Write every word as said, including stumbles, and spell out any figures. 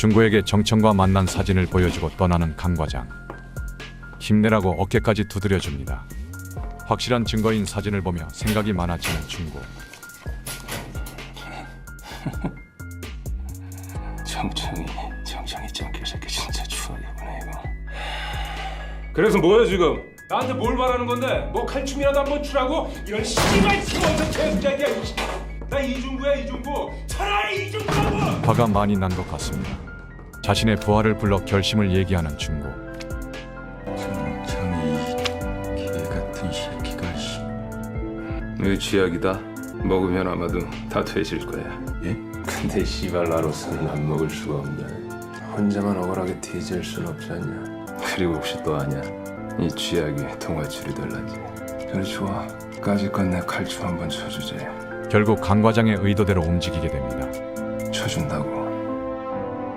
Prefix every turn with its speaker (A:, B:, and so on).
A: 중구에게 정청과 만난 사진을 보여주고 떠나는 강 과장. 힘내라고 어깨까지 두드려줍니다. 확실한 증거인 사진을 보며 생각이 많아지는 중구.
B: 정청이 정청이 짱깨 새끼 진짜 추하게구나 이거. 그래서 뭐야 지금? 나한테 뭘 말하는 건데? 뭐 칼춤이라도 한번 추라고? 이런 씨발 시원한 개새끼야. 나 이중구야 이중구. 차라리 이중구라고.
A: 화가 많이 난 것 같습니다. 자신의 부하를 불러 결심을 얘기하는 중구.
C: 정청이 개 같은 새끼가 씨.
B: 너 쥐약이다. 먹으면 아마도 다 퇴질 거야.
C: 예?
B: 근데 씨발 나로서는 안 먹을 수가 없냐. 혼자만 억울하게 뒤질 순 없지 않냐. 그리고 혹시 또 아냐? 이 쥐약이 동아줄이 될란지. 그래 좋아. 까짓 내 칼춤 한번 쳐주지.
A: 결국 강 과장의 의도대로 움직이게 됩니다.
B: 쳐준다고.